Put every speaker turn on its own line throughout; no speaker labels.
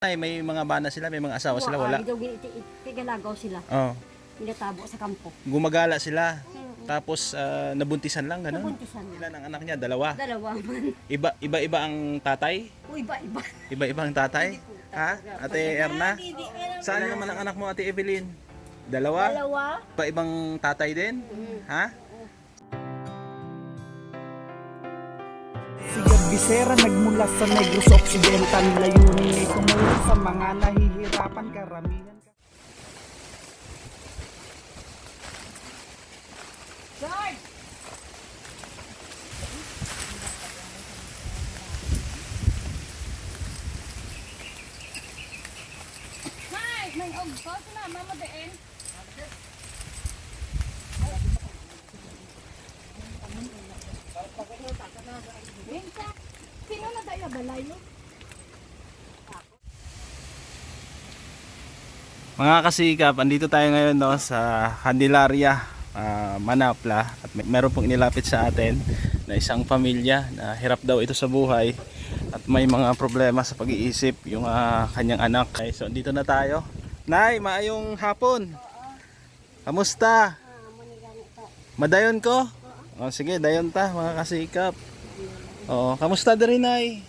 Ay, may mga bana sila, may mga asawa sila, wala.
Tigalagaw sila.
Oh,
Pinatabo sa kampo.
gumagala sila. Tapos nabuntisan lang ganun.
Nabuntisan niya.
Ilan ang anak niya? Dalawa.
Dalawa man.
Iba-iba ang tatay?
O iba-iba.
Iba-iba ang tatay? Ha? Ate Erna? Saan naman ang anak mo, Ate Evelyn? Dalawa?
Dalawa.
Iba-ibang tatay din? Ha?
Si Bisera nagmula sa Negros Occidental, layunin ay tumulong sa mga nahihirapan karamihan.
George! Hi! May ogso sila, mama din. Sino na tayo balayo?
Mga kasikap, andito tayo ngayon no, sa Candelaria, Manapla. At meron pong inilapit sa atin na isang pamilya na hirap daw ito sa buhay. At may mga problema sa pag-iisip yung kanyang anak. Okay, so andito na tayo. Nay, maayong hapon. Kamusta? Madayon ko? O, sige, dayon ta mga kasikap. Oo, kamusta din Nay?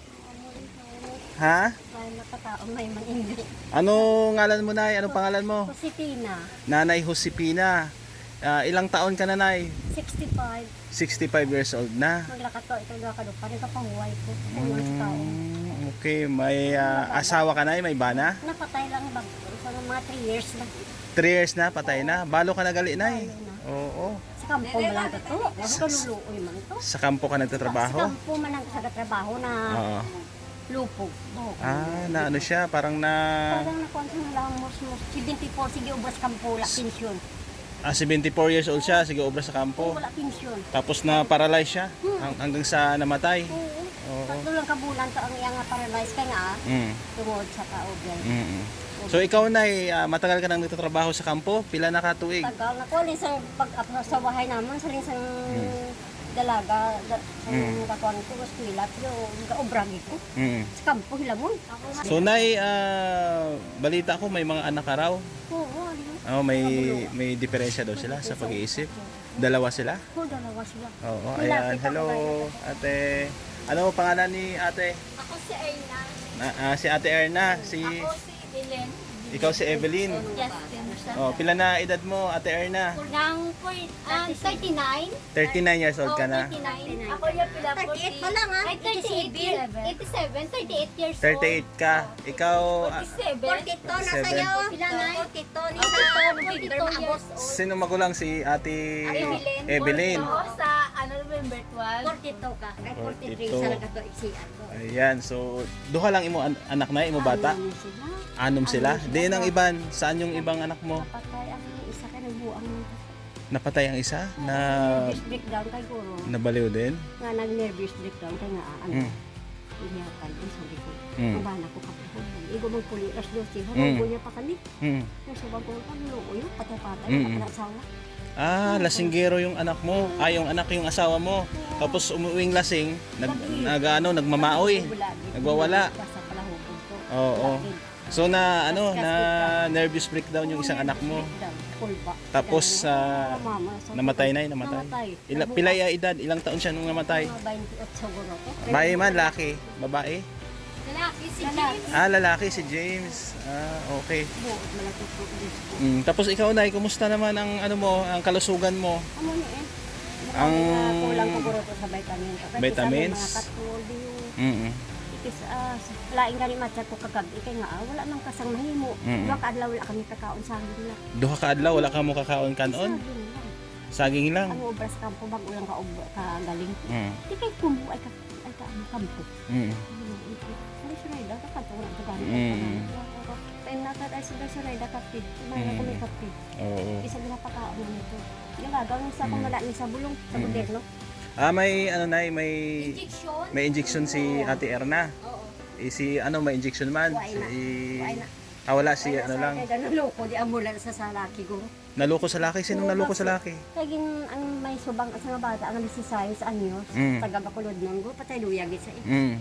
Ha?
May nakataong may maningit.
Ano ngalan mo Nay? Anong pangalan mo?
Kusipina,
Nanay Josepina. Ilang taon ka na Nay?
65.
65 years old na.
Maglakato, ito lakado pa rin kapahuway ko. Mga sa tao.
Okay, may asawa ka Nay? May bana?
Napatay lang bag sa mga 3 years na.
3 years na, patay na. Balo ka na gali Nay?
Balo na.
Oo.
Sa kampo man lang ito. Huwag kaluluoy man ito.
Sa kampo ka
Sa
nagtatrabaho?
kampo man lang sa trabaho na
Oo.
lupog.
Na ano siya, parang na
Parang nakuha sa lang mo 74 sige ubras kampo wala pensyon.
74 years old siya, sige obra sa kampo.
Wala pensyon.
Tapos na paralyze siya hanggang sa namatay.
Oo. Tatlo lang kabulan to ang iyang paralyzed ka nga
Mm.
tungod sa kaugay.
Mm. So ikaw Nay, matagal ka nang nagtatrabaho sa kampo? Pila na ka tuig?
Tagal na ko linsang pag sa bahay naman sa linsang dalaga sa kakuan ko sa eskwela pero kaubragi ko.
Mm.
Sa kampo hilamon.
So Nay, balita ko may mga anak ka raw.
Oo, ano?
May diferensya daw sila sa pag-iisip. Dalawa sila?
Oo, dalawa sila.
Oo, ayan. Hello, ate. Ano pangalan ni ate?
Ako si Aina.
Si ate Erna,
Si Ellen.
ikaw si Evelyn.
Justin.
Oh, pila na edad mo, ate Erna?
Nang 39.
39 years old ka na.
39. Ako yung pila 38 pa lang ha. Ay, 37. 38 years old.
38 ka. Ikaw,
47.
42 na
47.
sa'yo.
Pila na?
42 ni sa November maabot.
sino magulang si ate Evelyn?
Ako sa November 12.
42 ka. Ay 43
42.
sa nagato iksian ko.
Ayan, so duha lang imo anak na, imo bata? Anom sila? Di ang iban, saan yung ibang anak mo?
Patay ang isa ka nagbuang
Napatay ang isa na
nervous breakdown kay guro.
nabaliw din?
Nga nag-nervous breakdown kay nga ano.
Mm.
Iniyakan ang sabi ko.
Mm.
Ang bana ko kapatid. Igo mong puli as 12.
Mm.
Habang niya pa kami.
Hmm.
Yung subang ko pagluo yun. Patay-patay.
Mm.
Patay-asawa.
Lasinggero yung anak mo. Yung anak yung asawa mo. Tapos umuwing lasing, nagmamaoy. Nagwawala.
Basta pala hubog to.
Oo.
Lakid.
So na nervous breakdown yung isang anak mo.
Pulba.
Tapos
Mama, sabi
namatay
ko,
na, namatay.
Namatay.
Pila ya edad, ilang taon siya nung namatay?
Mga 28 siguro to.
Babae man, laki, babae.
Lalaki si
James.
Lalaki si James. Okay.
Buot malaki po.
Tapos ikaw Nay, kumusta naman ang ano mo, ang kalusugan mo?
Ano ni eh?
Ang-
Kulang ko guro to sa vitamin. Kasi
Vitamins?
Mga katulyo.
Mm.
Ikis laing gani matcha ko kagabi kay nga wala nang kasang mahimo.
Mm.
Wa ka adlaw wala kami kakaon sa nila.
Duha ka adlaw, wala ka mo kakaon kanon? Saging lang.
Ang obras kampo bag ulang ka galing.
Mm.
Di kay kumbu ay ka ano kampo.
Mm.
Ay suray da ka to na gani.
Mm.
Tay na ka ay suray da kape. May ko may kape.
Oo.
Isa na pakaon nito. Yung gagawin sa kung wala ni sa bulong sa moderno.
May ano Nay, may
Injection.
may injection si Ate Erna.
Oo.
Si ano may injection man.
Wala na. Wala na.
Wala si ano lang.
Kaya ganun loko di amulan sa salaki ko.
Naloko sa laki. Sinong naloko sa laki?
Kagin ang may subang sa nga bata ang 16 anyos,
Mm.
taga Bacolod nang go patay luyag sa iyo.
Mm.
Kaya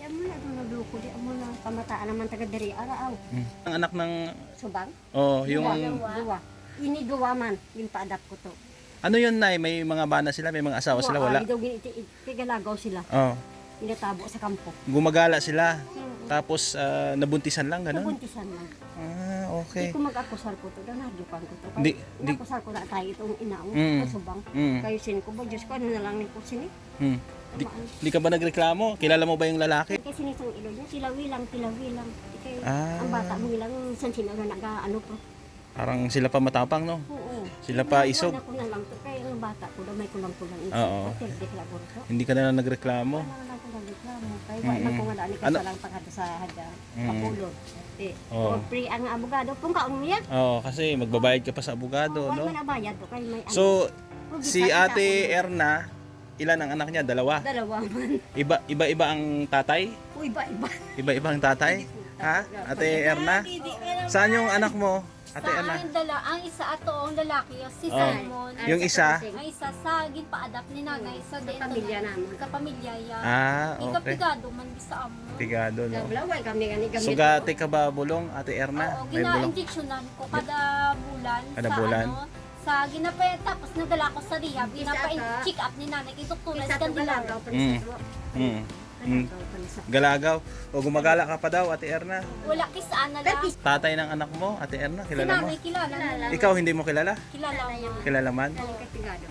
mo na doon nagluko di mo na pamataan naman taga diri araw.
Ang anak ng
Subang.
oh, yung
Duwa. Ini duwa man, yung pa-adapt ko to.
ano yun nay, may mga bana sila, may mga asawa sila, wala.
Daw tigalagaw sila.
Oh,
Inatabo sa kampo.
gumagala sila. Tapos nabuntisan lang ganun.
Nabuntisan lang.
Ah,
Hindi
okay.
ko mag-akusar ko to, nadukan ko to.
Di- di-
Nakusar ko na tayo itong inaong
Mm.
Subang.
Mm.
Kayo sin ko ba, Diyos ko, ano na lang ni ko sini?
Hmm. Di ka ba nagreklamo? Kilala mo ba yung lalaki?
Kasi nisang ilo niya, tilawi lang. Di kayo,
Ah.
ang bata mo ilang san sino na nag-ano po.
Parang sila pa matapang, no?
Oo.
Sila pa isog.
Wala ko na lang to, kaya ang bata ko daw may kulang-kulang isip.
Oo.
Dik la burso.
Hindi ka na lang nagreklamo.
Wala lang ko nagreklamo. Kaya wala ko nga daan ka lang pagkata sa hada. Kapulot.
Oo.
Or free ang abogado. Kung kaon mo yan.
Oo, kasi magbabayad ka pa sa abogado,
Wala
no?
man nabayad to, kaya may
So,
ano.
si Ate Erna, ilan ang anak niya? Dalawa.
Dalawa man.
Iba-iba ang tatay?
O iba-iba.
Iba-iba ang tatay? Ha? Ate Erna? Saan yung anak mo? Ate Erna?
Ang isa ato ang lalaki, si
Oh.
Simon.
Yung isa?
Ang isa sa ginpa-adapt ni nanay sa dito
pamilya naman.
Sa pamilya ya.
Ah, okay.
Ikapigado man bisa amo.
Tigado, no?
Laway kami gani gamit.
Sugate ka ba bulong, Ate Erna?
Oo,
May bulong?
gina-injectionan ko kada bulan
Kada
sa
bulan?
ano sa ginapay tapos nadala ko sa rehab,
Isa
ginapa-check up ni nanay kay doktor
Isa
sa
to
kanila.
galagaw pa
Mm.
sa
Hmm.
Galagaw pa sa.
Galagaw. O gumagala ka pa daw, Ate Erna?
Wala kisaan na lang.
Tatay ng anak mo, Ate Erna,
Si
kilala mo?
nanay kilala.
Ikaw hindi mo kilala?
Kilala mo.
Kilala man?
Katigado.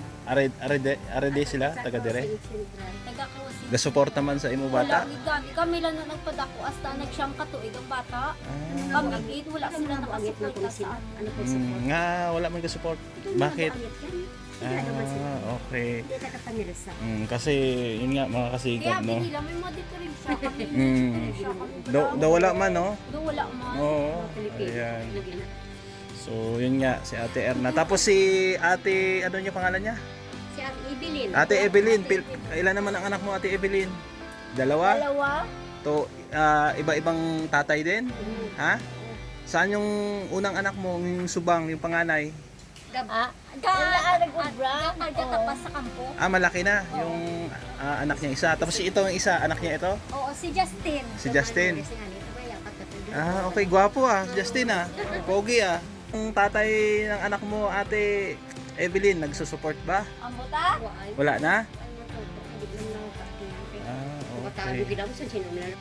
Arede sila, taga dire.
Taga-close.
Gasuporta man sa imo bata.
Wala, gani. Kami lang na nagpadako hasta nagsyang katuig ang bata. Kami gid wala sila
Nabuangit na ko
nakasuporta
sila.
sa
Ano po
Mm,
support?
nga wala man gasupport. Bakit?
Hindi naman sila.
Okay.
Hindi ka kapanirsa.
Kasi yun nga mga
Kaya
kasigab, no.
binila may mga diferensya kami.
Mm.
Diferensya kami.
Daw wala man, no.
Do wala man.
Oo.
Pilipino.
Ayan.
Nagina.
So yun nga si Ate Erna. Tapos si Ate ano yung pangalan niya?
Si Ate Evelyn.
Ate Evelyn. Ilan naman ang anak mo, Ate Evelyn? Dalawa?
Dalawa.
To iba-ibang tatay din? Ha? Saan yung unang anak mo, yung subang, yung panganay?
Nag-ubra. Nagkatapas sa kampo.
Malaki na yung anak niya isa. Tapos si ito yung isa, anak niya ito?
Oo, si Justin.
Si Justin. Okay, gwapo si Justin Pogi Ang tatay ng anak mo, Ate Evelyn, nagsusupport ba?
Ang buta?
Wala na?
Matago
Okay.
ginaw sa sinumlan.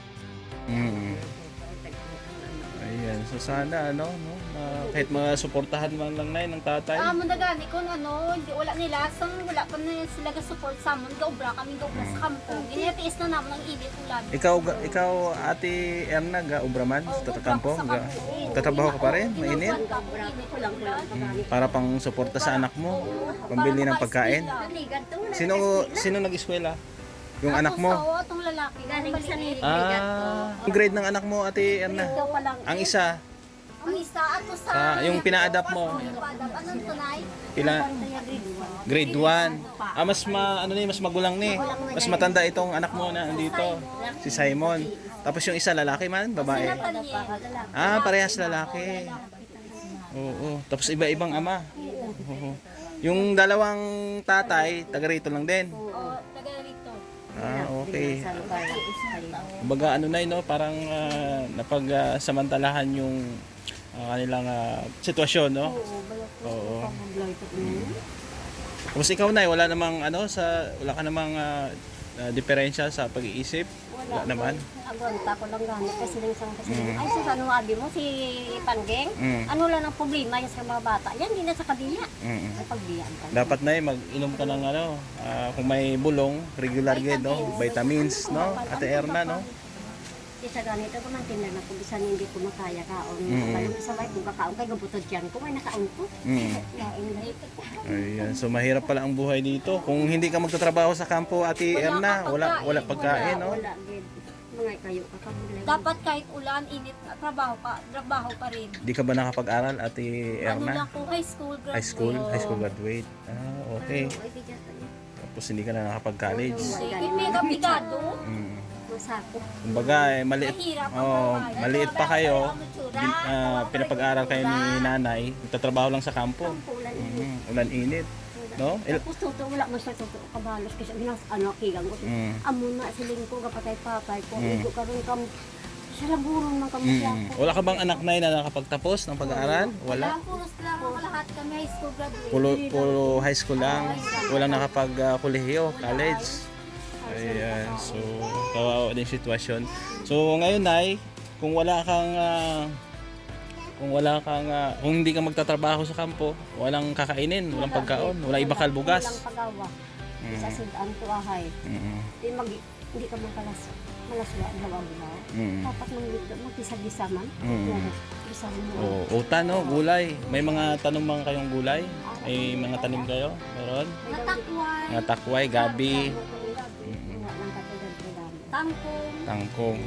Ayan, so sana no, kahit mga suportahan man lang na ng tatay.
Mo nagani kung ano, hindi wala nila, sang wala pa na sila ga-support sa amon, gaubra kami gaubra sa kampo. Ginetiis na naman ang init ulan.
Ikaw Ate Erna, ga ubraman sa tatampo? Tatrabaho ka pa rin? Mainit? Para pang suporta sa anak mo, pambili ng pagkain. Sino nag-eskwela? Yung anak mo?
Oo, itong lalaki.
Galing sa
maliit.
Ang grade ng anak mo, Ate Erna?
Ito pa lang.
Ang isa,
Ang isa, ato sa...
yung pina-adapt mo,
Anong tunay?
grade 1. Mas magulang ni. Mas matanda itong anak mo na andito, si Simon. Tapos yung isa lalaki man, babae. Parehas lalaki. Oo. Tapos iba-ibang ama. Oo. Yung dalawang tatay, taga rito lang din.
Oo, taga rito.
Okay. Kumbaga no, parang napagsamantalahan yung kanilang sitwasyon, no? Oo. Tapos ikaw na, wala ka namang diferensya sa pag-iisip? Wala naman.
Agonta ko lang gamit kasi lang isang kasi. Ay, sa ano abi mo, si Panggeng? Ano lang ang problema yan sa mga bata? Yan, hindi na sa kabiya. Ay, pagbiyaan ka.
Dapat na mag-inom ka ng kung may bulong, regular no? Vitamins, no? Ate Erna, no?
Isa ganito ko man tinlan ako, bisan hindi ko makaya kaon. Kapag isa ba kung kakaon kay gabutod yan ko, may nakaon ko.
Ayan, so mahirap pala ang buhay dito. Kung hindi ka magtatrabaho sa kampo, Ate Erna, wala pagkain, no?
Wala, gid. Mga kayo kakabulay.
Dapat kahit ulan, init, trabaho pa rin.
Di ka ba nakapag-aral, Ate
Ano
Erna?
lang po, high school graduate.
High school graduate. Okay.
Ay, di dyan tayo.
Tapos hindi ka na nakapag-college.
Sige, mega bigado.
Masako.
Kumbaga, maliit.
Mahirap ang
Oh,
buhay.
maliit pa kayo.
Ang matsura,
Pinapag-aral kayo ni nanay. Nagtatrabaho lang sa kampo.
Pulan.
Ulan init. no?
Tapos totoo, wala man siya totoo kabalos kasi ginas ano kigang ko. Amo na siling ko kapatay papay ko. Igo karon kam sa laburon man kamo siya ko.
Wala ka bang anak na nakapagtapos ng pag-aaral? Wala.
Puros lang ako lahat kami high school graduate.
Puro high school lang. Walang nakapag-kolehiyo, college. Ayan, so kawawa din sitwasyon. So ngayon Nay, kung kung hindi ka magtatrabaho sa kampo, walang kakainin, walang pagkaon, wala iba kalbugas.
Walang pagawa. Sa sidaan to ahay. Di mag hindi ka malaswa gawa-gawa. Dapat magkisa-gisa man. Gisa mo.
Utan, no? Gulay. May mga tanom mga kayong gulay? May mga tanim kayo? Meron?
Natakway,
Mga takway, gabi,
tangkong,
tangkong.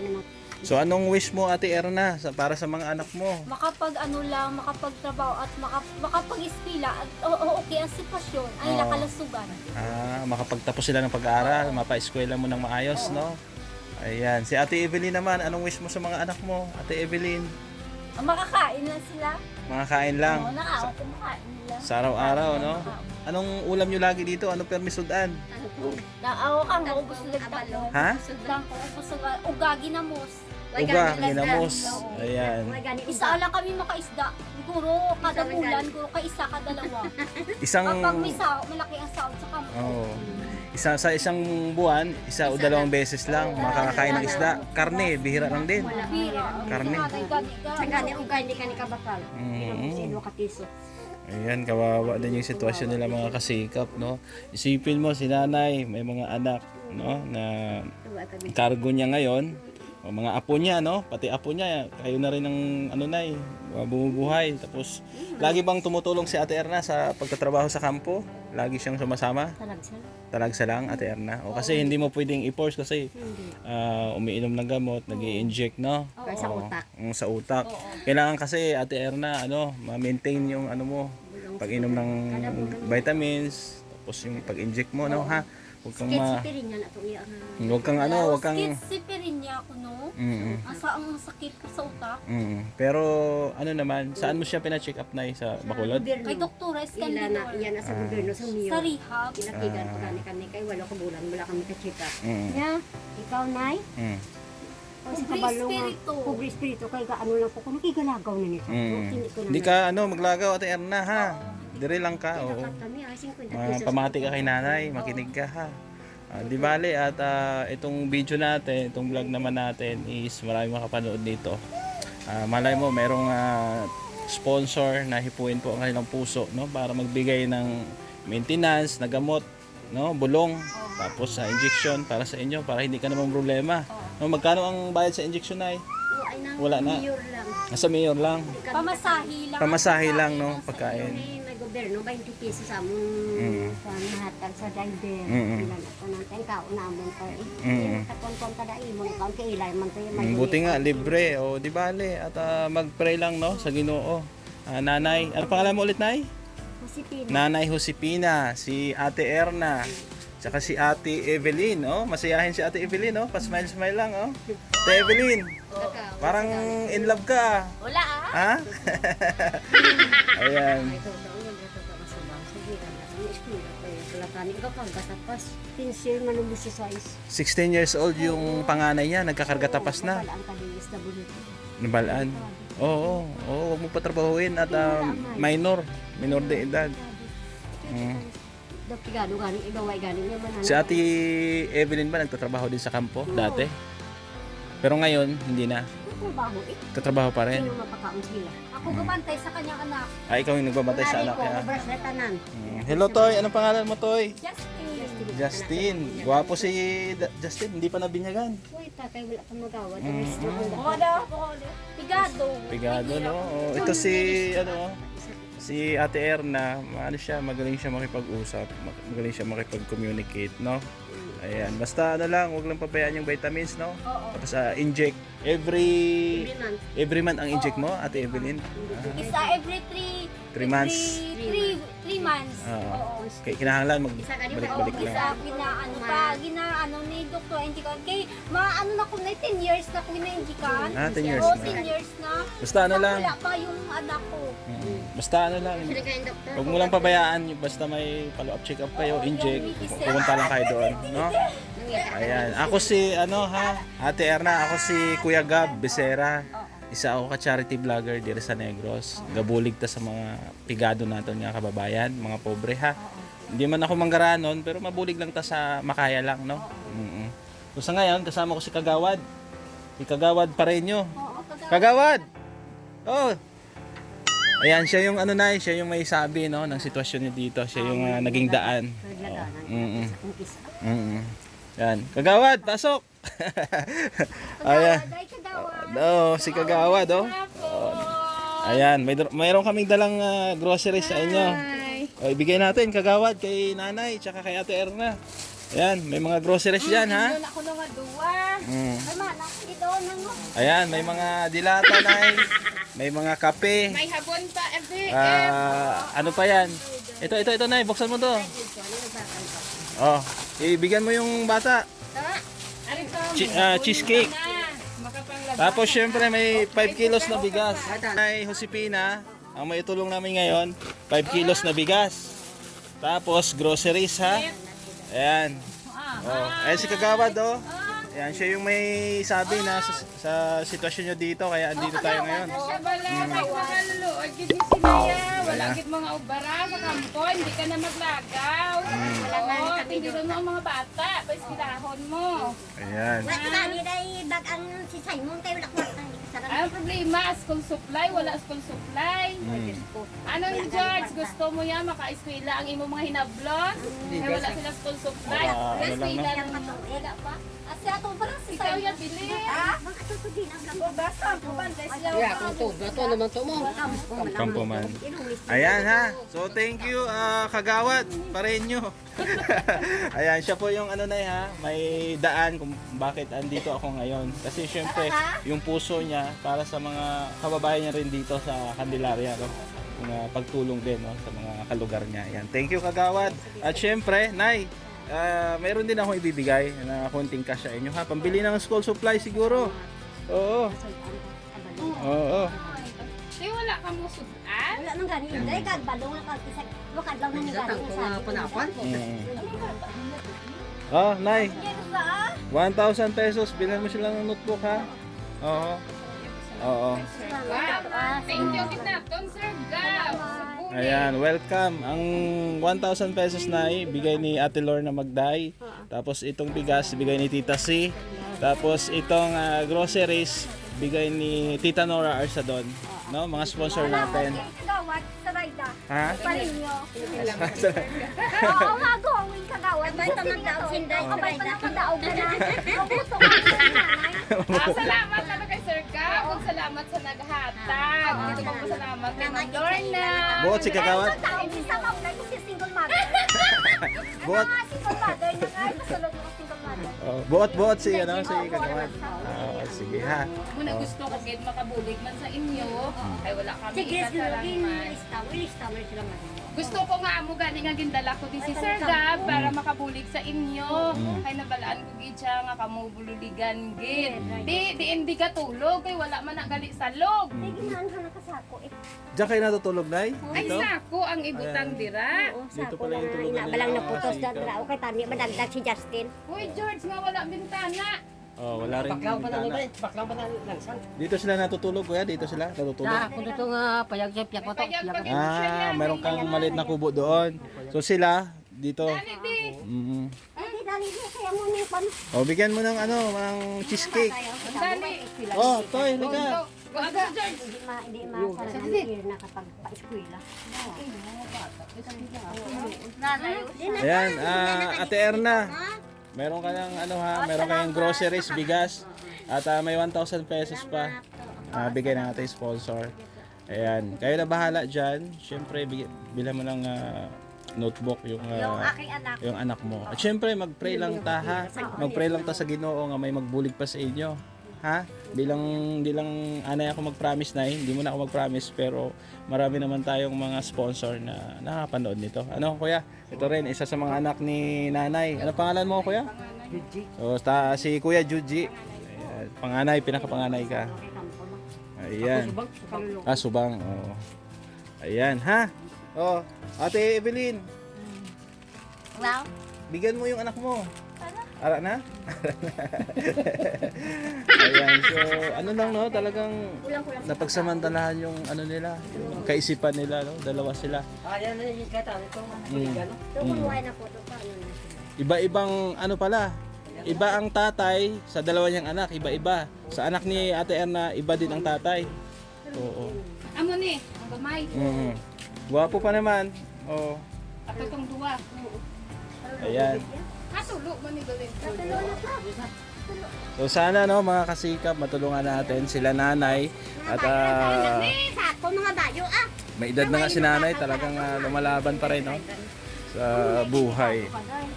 So anong wish mo Ate Erna para sa mga anak mo?
makapagtrabaho at makapag-eskwela at okay ang sitwasyon ay
Oo.
nakalusugan.
Makapagtapos sila ng pag-aaral, mapa-eskwela mo ng maayos, no? Ayan. Si Ate Evelyn naman, anong wish mo sa mga anak mo? Ate Evelyn,
Makakain lang sila.
mga kain lang.
Oo, nakaawa kumakain nila.
Sa araw-araw, no? Anong ulam nyo lagi dito? Anong permisudan?
Naawa ka nga, ubos lang tako.
Ha?
Lang ko, ubos lang. Ugagi na mos.
Uga, ginamos. Ayan.
Isa lang kami makaisda. Siguro kada bulan, siguro ka isa, kada dalawa.
Isang...
Kapag may sao, malaki ang sahod sa kampo.
Oh. Sa isang buwan, isa o dalawang beses lang makakakain ng isda. Karne, bihira lang din.
Bira.
Karne.
Sa gani ug gani ka ni kabakal.
Mm.
Sino ka piso.
Ayan, kawawa din yung sitwasyon nila mga kasikap, no? Isipin mo, si nanay, may mga anak, no? Na cargo niya ngayon. O mga apo niya, no? Pati apo niya, kayo na rin ang nay, bumubuhay. Tapos, lagi bang tumutulong si Ate Erna sa pagtatrabaho sa kampo? Lagi siyang sumasama? Talagsa lang, Ate Erna. O kasi hindi mo pwedeng i-force kasi umiinom ng gamot, nag-i-inject, no?
Kaya sa utak.
Sa utak. Kailangan kasi Ate Erna, ma-maintain yung pag-inom ng vitamins, tapos yung pag-inject mo, no, ha? Huwag kang
Sipirin niya na to iya.
huwag kang
Sipirin niya ako, no? Ang sakit ko sa utak.
Pero ano naman, saan mo siya pina-check up na sa Bacolod?
Kay Doktora
Ila na
Escandidor.
iyan na sa gobyerno sa Mio.
Sa rehab.
Pinakigan pa kani kay wala ka bulan wala kami ka check up.
Mm.
Nya, ikaw nay,
Mm.
o sa
Pobre
kabalo nga,
espiritu.
pobre espiritu kay ano lang po kuno kigalagaw na nito. Hindi ko na.
Hindi ka maglagaw Ate Erna, ha? Dire lang ka, oo.
Kami ay 50 pesos.
Pamati ka kay nanay, makinig ka, ha? Di bale at itong video natin, itong vlog naman natin is marami makapanood dito. Malay mo merong sponsor na hipuin po ang kanilang puso, no, para magbigay ng maintenance, na gamot, no, bulong, tapos sa injection para sa inyo para hindi ka naman problema. No, magkano ang bayad sa injection ay? Wala na.
Mayor lang.
Nasa mayor lang.
Pamasahe lang.
Pamasahe lang, no,
Kasi
pagkain.
may gobyerno 20 pesos sa among sa mahatag sa driver. Ilan ako nang tengka unamon ko. Katon-kon kada imong kaon kay ilay man to yung
Buti nga libre, o di bale at mag-pray lang, no, sa Ginoo. Nanay, ano pangalan mo ulit, Nay?
Josepina.
Nanay Josepina, si Ate Erna, tsaka si Ate Evelyn, oh. Masayahin si Ate Evelyn, oh. Pa-smile-smile lang, oh. Ate Evelyn, parang in love ka,
Wala
ha? Ayan.
Ito daw yun ito daw sa bangsa giran na sa eskwela kay kalakani ka pagkatapas. Pinsir manubos si size.
16 years old yung panganay niya, nagkakarga tapas na.
Wala ang kadilis na bulit.
Nabalaan. Oo, huwag mo patrabahuin at minor de edad.
Dapigado galing igaway galing niya man.
Si Ate Evelyn ba nagtatrabaho din sa kampo dati? Pero ngayon, hindi na.
Trabaho
Tatrabaho pa rin.
Sino mapakaon sila?
Ako gumantay sa kanyang anak.
Ikaw yung nagbabantay sa anak niya.
Obras na tanan.
Hello, Toy. Anong pangalan mo, Toy?
Justin.
Justin. Gwapo si Justin. Hindi pa nabinyagan.
Uy, takay wala pa magawa.
Pigado.
Pigado, no? Oh, ito si, si Ate Erna. Magaling siya makipag-usap. Magaling siya makipag-communicate, no? Ayan. Basta lang, huwag lang pabayaan yung vitamins, no? Tapos inject. Every month ang inject mo, Ate Evelyn?
Isa every 3
3 months.
3 months.
Oo. Kinahanglan magbalik-balik lang.
Isa ginaano ni Dr. Indikan kay maano na ko na 10 years na ko na indikan.
10 years
Oo,
na.
10 years na.
Basta lang.
Wala pa yung anak ko.
Basta ano lang, huwag mo lang pabayaan, basta may follow-up check-up kayo, inject, pumunta lang kayo doon, no? Ayan, ako si, Ate Erna, ako si Kuya Gab Becerra. Isa ako ka-charity vlogger dito sa Negros. Gabulig ta sa mga pigado natin nga kababayan, mga pobre ha. Hindi man ako manggaranon, pero mabulig lang ta sa makaya lang, no? So sa ngayon, kasama ko si Kagawad. Si Kagawad Pareño. Kagawad! Oh! Ayan, siya yung siya yung may sabi, no, ng sitwasyon niya dito. Siya yung naging daan. Yan. Kagawad, pasok! Ayan. Si Kagawad, oh. Ayan, mayroon kaming dalang groceries sa inyo. O, ibigay natin, Kagawad, kay nanay, tsaka kay Ate Erna. Ayan, may mga groceries dyan, ha?
Ako na nga duwa. Ay, manak, ito na nga.
Ayan, may mga dilata, nay. May mga kape.
May habon pa,
Ano pa yan? Ito, nay, buksan mo to. Oh, ibigyan mo yung bata. Cheesecake. Tapos syempre may 5 kilos na bigas. Ay Josepina, ang may tulong namin ngayon, 5 kilos na bigas. Tapos groceries ha. Ayan. Oh, ayan si Kagawad oh. Ayan, siya yung may sabi na sa sitwasyon nyo dito, kaya andito tayo ngayon.
Wala gid mga ubara sa kampo, hindi ka na maglagaw. Oo, hindi rin ang mga bata, paiskinahon mo.
Ayan.
Ang problema, school supply, wala school supply. Ano ni George, gusto mo yan maka-eskwela ang imo mga hinablos? Eh wala sila school supply. Eskwela lang wala pa. Asi ato pa lang si Sayo yan bili. Basta po banda sila.
Kampuman. Ayan ha. So thank you Kagawad Pareño. Ayan, siya po yung may daan kung bakit andito ako ngayon. Kasi syempre, yung puso niya para sa mga kababayan niya rin dito sa Candelaria, no? Yung pagtulong din, no, sa mga kalugar niya. Ayan. Thank you Kagawad. At syempre, Nay, mayroon din akong ibibigay na konting cash sa inyo ha. Pambili ng school supply siguro. Oo. Oo.
Di wala kang musudan?
Wala nang gani. Dahil kagbadong na kag-isag. Wakad lang na ni gani.
Oh, Nay. 1,000 pesos. Bilhan mo sila ng notebook ha. Oo. Oo.
Thank you kinaton, Sir Gab.
Ayan, welcome. Ang 1,000 pesos na bigay ni Ate Lorna Magday. Tapos itong bigas, bigay ni Tita C. Tapos itong groceries, bigay ni Tita Nora Arsadon. No, mga sponsor natin.
Kagawad, sarayda.
Ha?
Parinyo. Oo, magawin kagawad. Abay ta magdaog sinday. Abay pa na magdaog na. Abuto ka nanay.
Salamat na kay Sir Gab. Kung salamat sa naghatag. Dito po salamat kay Ma'am Lorna.
Buot si Kagawad.
Isa ka na si single mother.
Buot.
Single mother na nga. Pasulod mo single mother.
Buot si Kagawad. Sige ha.
Muna gusto ko kahit makabulig man sa inyo. Ay wala kami
Sige,
ikasalaman.
ilista mo sila man.
Gusto ko nga amo gani nga gindala ko din si Sir Gab para makabulig sa inyo. Kay nabalaan ko gid siya nga kamo bululigan gid. Di ka tulog kay wala man na gali sa log.
Ay, ginahan ka na kasako eh.
Diyan kayo natutulog, Nay?
Ay
Dito?
sako ang ibutang dira.
Oo,
Dito
sako
pala
na
yung tulugan
inabalang
nila.
na putos
Sige.
na drao kay tani madagdag si Justin.
Uy George nga wala bintana.
Oh, wala rin
Baklaw pa na
bintana.
baklaw pa na langsan.
Dito sila natutulog, kuya? Dito sila natutulog?
Na, kung ito nga payag siya, piyak mo to.
Payag pag
Meron kang maliit na kubo doon. So sila, dito.
Dali di.
Ay, di dali niya kaya mo ni pan.
Oh, bigyan mo ng ng cheesecake.
Dali.
Oh, Toy, halika.
Go agad George.
Hindi masarap na kapag pa-eskwela.
Ayan, Ate Erna. Meron ka ng meron kayong groceries, bigas. At may 1,000 pesos pa. Bigay na natin sponsor. Ayan, kayo na bahala dyan. Siyempre, bilhan mo ng notebook yung anak mo. At siyempre, mag-pray lang ta ha. Mag-pray lang ta sa Ginoo nga may magbulig pa sa inyo. Ha? Di lang anay ako mag-promise na hindi mo na ako mag-promise pero marami naman tayong mga sponsor na nakapanood nito. Ano kuya? Ito rin isa sa mga anak ni nanay. Ano pangalan mo kuya?
Juji.
So, si Kuya Juji. Ayan, panganay, pinakapanganay ka. Ayan.
Subang, kalulong.
Ah, subang. Oo. Ayan, ha? Oh, Ate Evelyn,
Wow.
bigyan mo yung anak mo. Ara na? Ayan, so ano lang no, talagang napagsamantalahan yung ano nila, yung kaisipan nila, no? Dalawa sila.
Yan na yung kata. Ito,
Ito kumuha na po ito. Paano na sila?
Iba-ibang ano pala. Iba ang tatay sa dalawa niyang anak, iba-iba. Sa anak ni Ate Erna, iba din ang tatay. Oo.
Amo ni, ang gamay.
Guwapo pa naman. Oh.
Ato tong duwa.
Ayan.
Katulo mo ni Galing.
So sana no mga kasikap matulungan natin sila nanay at
Sakto mga bayo
may edad na nga si nanay talagang lumalaban pa rin no sa buhay.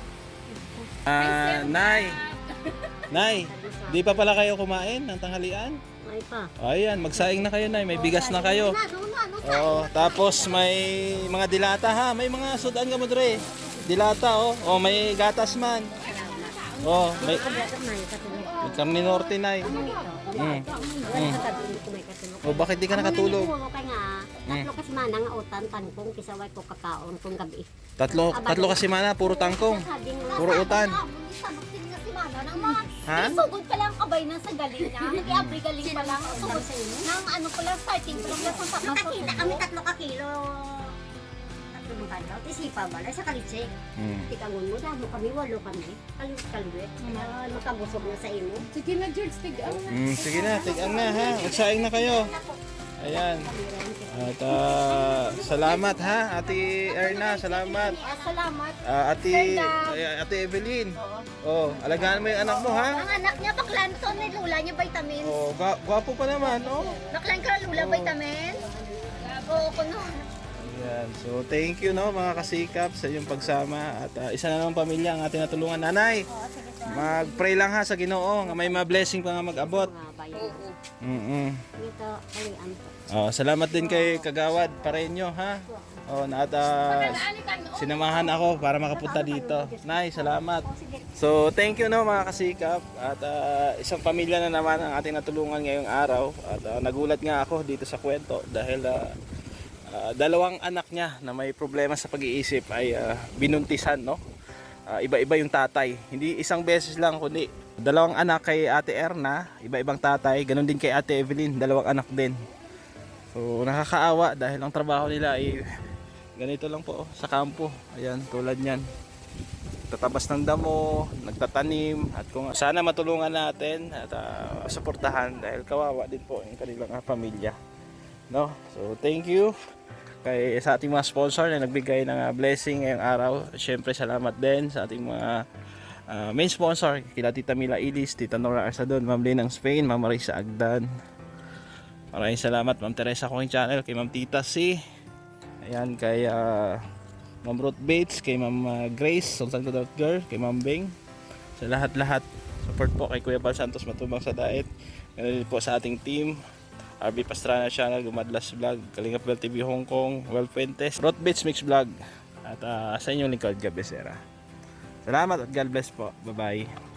Nay, di pa pala kayo kumain ng tanghalian?
Ay pa.
Ayan, magsaing na kayo nay, may bigas na kayo. Oh, tapos may mga dilata ha, may mga sudan ka mo dre. Dilata oh, oh may gatas man. Oh, may karne norte nay. Oh, bakit di ka nakatulog?
Tatlo kasi mana nga utan, tangkong, kisaway ko kakaon kung gabi.
Tatlo kasi mana, puro tangkong. Puro utan. Ha?
Sugod pa lang kabay na sa galing niya. Nag-i-abri galing pa lang. Sugod nang ano pa lang, starting pa lang sa
Nakakita kami 3 ka kilo. Tatlo mga kalaw. Isipa ba? Sa kalitse. Tikangon mo, damo kami, 8 kami. Kaluwit. Makabusog na sa imo.
Sige na, George, tigaan na.
Sige na, tigang na ha. Magsaing na kayo. Ayan. At salamat ha, Ate Erna, salamat.
Salamat.
Ate Evelyn. Oh, alagaan mo yung anak mo ha.
Ang anak niya, baklan to, ni Lula niya vitamins.
Oh, gwapo pa naman, oh.
Baklan ka, Lula vitamins. Oo, kuno.
Ayan. So, thank you no mga kasikap sa iyong pagsama at isa na namang pamilya ang ating natulungan. Nanay, mag-pray lang ha sa Ginoo nga may ma-blessing pa nga mag-abot.
Mga bayan. Ito, kalian po.
Oh, salamat din kay Kagawad Pareño ha. Oh, na at sinamahan ako para makapunta dito. Nay, salamat. So, thank you no mga kasikap at isang pamilya na naman ang ating natulungan ngayong araw at nagulat nga ako dito sa kwento dahil dalawang anak niya na may problema sa pag-iisip ay binuntisan no. Iba-iba yung tatay. Hindi isang beses lang kundi dalawang anak kay Ate Erna, iba-ibang tatay, ganun din kay Ate Evelyn, dalawang anak din. So nakakaawa dahil ang trabaho nila ay ganito lang po sa kampo. Ayan, tulad niyan. Tatabas ng damo, nagtatanim at kung sana matulungan natin at suportahan dahil kawawa din po yung kanilang pamilya. No? So thank you kay sa ating mga sponsor na nagbigay ng blessing ngayong araw. Syempre salamat din sa ating mga main sponsor, kila Tita Mila Ilis, Tita Nora Arsadon, Ma'am Lynn ng Spain, Ma'am Marisa Agdan. Maraming salamat Ma'am Teresa Kong Channel, kay Ma'am Tita C. Ayan, kay Ma'am Ruth Bates, kay Ma'am Grace, Sultan Kudot Girl, kay Ma'am Bing. Sa lahat-lahat, support po kay Kuya Bal Santos Matubang sa Daet. Ganun din po sa ating team. RB Pastrana Channel, Gumadlas Vlog, Kalingap Bell TV Hong Kong, Well Fuentes, Ruth Bates Mix Vlog. At sa inyong lingkod, Gab Becerra. Salamat at God bless po. Bye-bye.